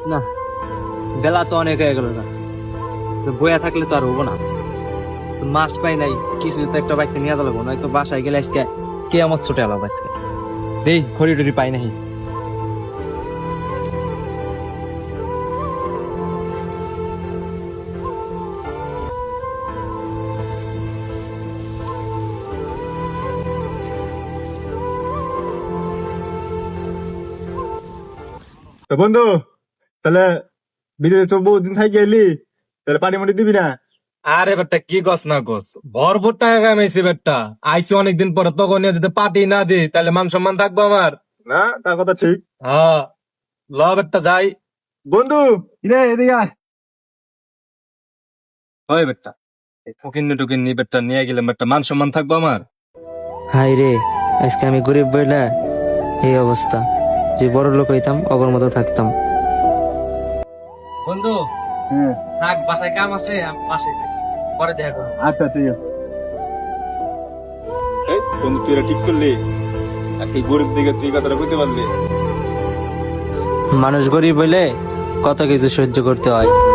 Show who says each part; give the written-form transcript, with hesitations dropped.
Speaker 1: না, বেলা তো অনেক হয়ে গেল না, তো বইয়া থাকলে তো আর হবো না। তো মাছ পাই নাই, কিছু তো একটা বাইকটা নিয়ে দেবো, নয়তো বাসায় গেলে আজকে কে আমার ছুটে এলাম আজকে। দেই খড়ি টড়ি পাই নাই।
Speaker 2: তো বন্ধু, তাহলে বিদেশে তো বহুদিন থাকি গেলি, তাহলে পানি মাটি দিবি না?
Speaker 3: আরে বেটা কি গছ না গছ, ভরপুর টাকা কামাইছি বেটা। আইসি অনেকদিন পরে, তখন যদি পার্টি না দি তাহলে মান সম্মান থাকবো আমার?
Speaker 2: না, তার কথা ঠিক।
Speaker 3: হ্যাঁ, ল বেটা যাই।
Speaker 2: বন্ধু, রে এদিকে আয়।
Speaker 3: হয় বেটা, ফকিন্নি টুকিন্নি বেটা নিয়ে গেলে বেটা মান সম্মান থাকবো আমার?
Speaker 4: হাই রে, আজকে আমি গরিব বইলা এই অবস্থা। যে বড় লোক হইতাম অগর মতো থাকতাম।
Speaker 1: বন্ধু থাক, বাসায় কাম আছে, আমি বাসায় যাই। পরে দেখা করবো।
Speaker 2: আচ্ছা ঠিক আছে। এই বন্ধু, তুই এটা ঠিক করলি? আর সেই গরিব দিকে তুই কথাটা বুঝতে পারলি?
Speaker 4: মানুষ গরিব হইলে কত কিছু সহ্য করতে হয়।